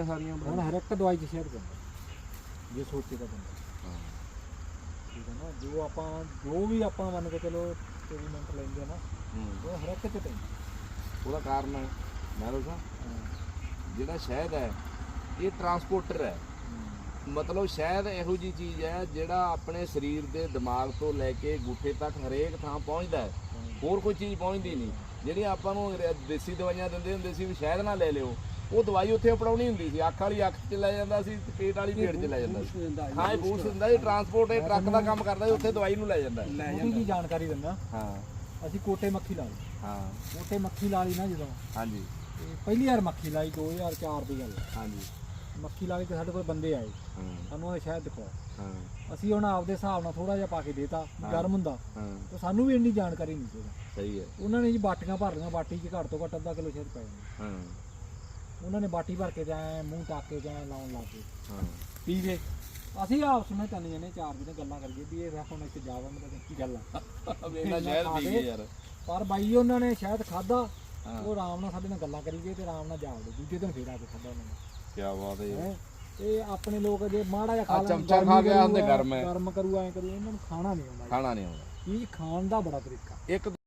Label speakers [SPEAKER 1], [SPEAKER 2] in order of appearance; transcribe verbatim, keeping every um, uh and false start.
[SPEAKER 1] ਬੂਟੀਆਂ ਸਾਰੀਆਂ
[SPEAKER 2] ਹੁਣ ਹਰ ਇੱਕ ਦਵਾਈ 'ਚ ਸ਼ਹਿਦ ਪੈਂਦਾ ਜੇ ਸੋਚੇ ਤਾਂ ਬੰਦਾ।
[SPEAKER 1] ਹਾਂ
[SPEAKER 2] ਠੀਕ ਹੈ ਨਾ, ਜੋ ਆਪਾਂ ਜੋ ਵੀ ਆਪਾਂ ਮੰਨ ਕੇ ਚਲੋ ਐਕਸਪੈਰੀਮੈਂਟ ਲੈਂਦੇ ਨਾ ਉਹ ਹਰ ਇੱਕ 'ਚ ਪੈਂਦਾ।
[SPEAKER 1] ਉਹਦਾ ਕਾਰਨ ਹੈ ਮੈਂ ਦੱਸਾਂ, ਜਿਹੜਾ ਸ਼ਹਿਦ ਹੈ ਇਹ ਟਰਾਂਸਪੋਰਟਰ ਹੈ। ਮਤਲਬ ਸ਼ਹਿਦ ਇਹੋ ਜਿਹੀ ਚੀਜ਼ ਹੈ ਜਿਹੜਾ ਆਪਣੇ ਸਰੀਰ ਦੇ ਦਿਮਾਗ ਤੋਂ ਲੈ ਕੇ ਗੁੱਠੇ ਤੱਕ ਹਰੇਕ ਥਾਂ ਪਹੁੰਚਦਾ ਹੈ, ਹੋਰ ਕੋਈ ਚੀਜ਼ ਪਹੁੰਚਦੀ ਨਹੀਂ। ਜਿਹੜੀਆਂ ਆਪਾਂ ਨੂੰ ਦੇਸੀ ਦਵਾਈਆਂ ਦਿੰਦੇ ਹੁੰਦੇ ਸੀ ਵੀ ਸ਼ਹਿਦ ਨਾ ਲੈ ਲਿਓ, ਉਹ ਦਵਾਈ ਉੱਥੇ ਅਪਣਾਉਣੀ ਹੁੰਦੀ ਸੀ, ਅੱਖ ਵਾਲੀ ਅੱਖ 'ਚ ਲੈ ਜਾਂਦਾ ਸੀ, ਪੇਟ ਵਾਲੀ ਪੇਟ 'ਚ ਲੈ ਜਾਂਦਾ ਸੀ। ਹਾਂ ਇਹ ਬੂਸਟ ਹੁੰਦਾ ਜੀ, ਟਰਾਂਸਪੋਰਟ ਇਹ ਟਰੱਕ ਦਾ ਕੰਮ ਕਰਦਾ ਜੀ, ਉੱਥੇ ਦਵਾਈ ਨੂੰ ਲੈ ਜਾਂਦਾ
[SPEAKER 2] ਉਹਦੀ ਜੀ ਜਾਣਕਾਰੀ ਦਿੰਦਾ।
[SPEAKER 1] ਹਾਂ
[SPEAKER 2] ਅਸੀਂ ਕੋਟੇ ਮੱਖੀ ਲਾ ਲਈ।
[SPEAKER 1] ਹਾਂ
[SPEAKER 2] ਕੋਟੇ ਮੱਖੀ ਲਾ ਲਈ ਨਾ ਜਦੋਂ,
[SPEAKER 1] ਹਾਂਜੀ
[SPEAKER 2] ਤੇ ਪਹਿਲੀ ਵਾਰ ਮੱਖੀ ਲਾਈ ਦੋ ਹਜ਼ਾਰ ਚਾਰ ਦੀ ਗੱਲ।
[SPEAKER 1] ਹਾਂਜੀ
[SPEAKER 2] ਮੱਖੀ ਲਾ ਕੇ ਤੇ ਸਾਡੇ ਕੋਲ ਬੰਦੇ ਆਏ,
[SPEAKER 1] ਹਾਂ
[SPEAKER 2] ਸਾਨੂੰ ਉਹ ਸ਼ਹਿਦ ਦਿਖਾਓ।
[SPEAKER 1] ਹਾਂ
[SPEAKER 2] ਅਸੀਂ ਹੁਣ ਆਪਦੇ ਹਿਸਾਬ ਨਾਲ ਥੋੜਾ ਜਿਹਾ ਪਾ ਕੇ ਦੇਤਾ, ਗਰਮ ਹੁੰਦਾ
[SPEAKER 1] ਹਾਂ
[SPEAKER 2] ਤੇ ਸਾਨੂੰ ਵੀ ਇੰਨੀ ਜਾਣਕਾਰੀ ਨਹੀਂ ਸੀ।
[SPEAKER 1] ਸਹੀ ਹੈ।
[SPEAKER 2] ਉਹਨਾਂ ਨੇ ਜੀ ਬਾਟੀਆਂ ਭਰ ਲਈਆਂ, ਬਾਟੀ 'ਚ ਘੱਟ ਤੋਂ ਘੱਟ ਅੱਧਾ ਕਿਲੋ ਸ਼ਹਿਦ ਪੈ ਜਾਂਦਾ।
[SPEAKER 1] ਹਾਂ
[SPEAKER 2] ਉਹਨਾਂ ਨੇ ਬਾਟੀ ਭਰ ਕੇ ਜਾਏ ਮੂੰਹ ਟੱਕ ਕੇ ਜਾਏ ਲਾਉਣ ਲੱਗ ਪਏ,
[SPEAKER 1] ਹਾਂ
[SPEAKER 2] ਪੀ ਗਏ। ਅਸੀਂ ਆਪਸ ਵਿੱਚ ਤਿੰਨ ਜਣੇ ਚਾਰ ਦਿਨ ਗੱਲਾਂ ਕਰੀਏ ਵੀ ਇਹ ਹੁਣ ਇੱਥੇ ਜਾਵਾਂ ਮਤਲਬ ਕੀ ਗੱਲ ਆ
[SPEAKER 1] ਵੇਲਾ ਸ਼ਹਿਦ ਪੀ ਗਏ ਯਾਰ।
[SPEAKER 2] ਪਰ ਬਾਈ ਉਹਨਾਂ ਨੇ ਸ਼ਾਇਦ ਖਾਦਾ, ਉਹ ਆਰਾਮ ਨਾਲ ਸਾਡੇ ਨਾਲ ਗੱਲਾਂ ਕਰੀ ਗਏ ਤੇ ਆਰਾਮ ਨਾਲ ਜਾਵੜੇ। ਦੂਜੇ ਦਿਨ ਫੇਰ ਆ ਕੇ ਖਾਦਾ ਉਹਨਾਂ ਨੇ।
[SPEAKER 1] ਕੀ ਬਾਤ ਹੈ ਯਾਰ।
[SPEAKER 2] ਤੇ ਆਪਣੇ ਲੋਕ ਜੇ ਮਾੜਾ ਜਿਹਾ ਖਾ ਲੈਣ,
[SPEAKER 1] ਚਮਚਾ ਖਾ ਗਿਆ ਹੁੰਦੇ ਗਰਮ ਹੈ,
[SPEAKER 2] ਗਰਮ ਕਰੂ ਐ ਕਰੂ, ਇਹਨਾਂ ਨੂੰ ਖਾਣਾ ਨਹੀਂ ਆਉਂਦਾ।
[SPEAKER 1] ਖਾਣਾ ਨਹੀਂ ਆਉਂਦਾ।
[SPEAKER 2] ਇਹ ਖਾਣ ਦਾ ਬੜਾ ਤਰੀਕਾ।
[SPEAKER 1] ਇੱਕ